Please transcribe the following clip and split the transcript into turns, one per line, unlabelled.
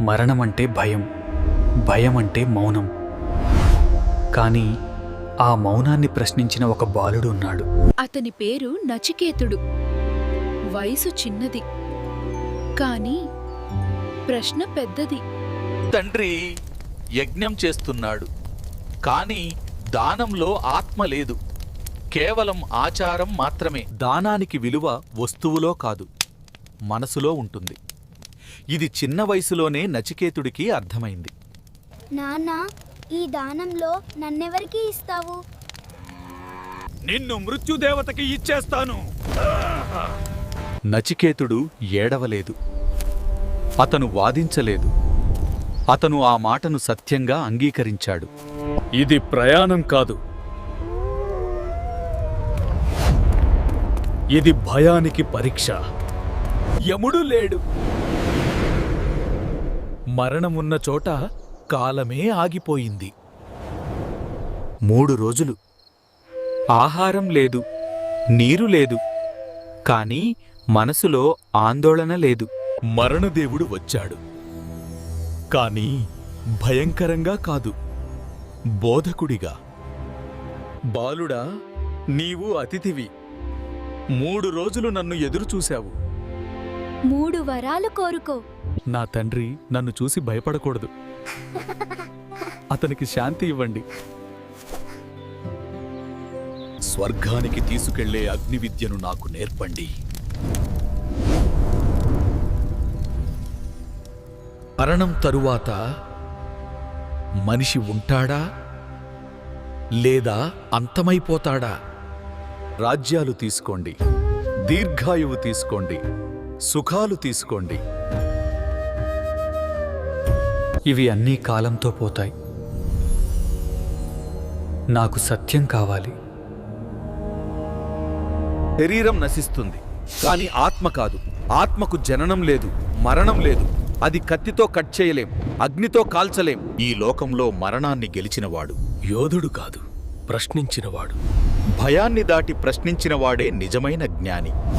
మరణమంటే భయం, భయమంటే మౌనం. కానీ ఆ మౌనాన్ని ప్రశ్నించిన ఒక బాలుడు ఉన్నాడు.
అతని పేరు నచికేతుడు. వయసు చిన్నది, కాని ప్రశ్న పెద్దది.
తండ్రి యజ్ఞం చేస్తున్నాడు, కాని దానంలో ఆత్మ లేదు, కేవలం ఆచారం మాత్రమే.
దానానికి విలువ వస్తువులో కాదు, మనసులో ఉంటుంది. ఇది చిన్న వయసులోనే నచికేతుడికి అర్థమైంది.
నాన్నా, ఈ దానంలో నన్నెవరికి ఇస్తావు?
నిన్ను మృత్యుదేవతకి ఇచ్చేస్తాను. నచికేతుడు ఏడవలేదు, అతను వాదించలేదు. అతను ఆ మాటను సత్యంగా అంగీకరించాడు.
ఇది ప్రయాణం కాదు, ఇది భయానికి పరీక్ష.
యముడు లేడు, మరణమున్న చోట కాలమే ఆగిపోయింది. 3 రోజులు ఆహారం లేదు, నీరు లేదు, కాని మనసులో ఆందోళన లేదు. మరణదేవుడు వచ్చాడు, కాని భయంకరంగా కాదు, బోధకుడిగా. బాలుడా, నీవు అతిథివి. 3 రోజులు నన్ను ఎదురుచూశావు.
3 వరాలు కోరుకో.
నా తండ్రి నన్ను చూసి భయపడకూడదు. అతనికి శాంతి ఇవ్వండి.
స్వర్గానికి తీసుకెళ్లే అగ్ని విద్యను నాకు నేర్పండి. మరణం తరువాత మనిషి ఉంటాడా లేదా అంతమైపోతాడా? రాజ్యాలు తీసుకోండి, దీర్ఘాయువు తీసుకోండి, సుఖాలు తీసుకోండి.
ఇవి అన్నీ కాలంతో పోతాయి. నాకు సత్యం కావాలి.
శరీరం నశిస్తుంది, కాని ఆత్మ కాదు. ఆత్మకు జననం లేదు, మరణం లేదు. అది కత్తితో కట్ చేయలేం, అగ్నితో కాల్చలేం. ఈ లోకంలో మరణాన్ని గెలిచినవాడు యోధుడు కాదు, ప్రశ్నించినవాడు. భయాన్ని దాటి ప్రశ్నించినవాడే నిజమైన జ్ఞాని.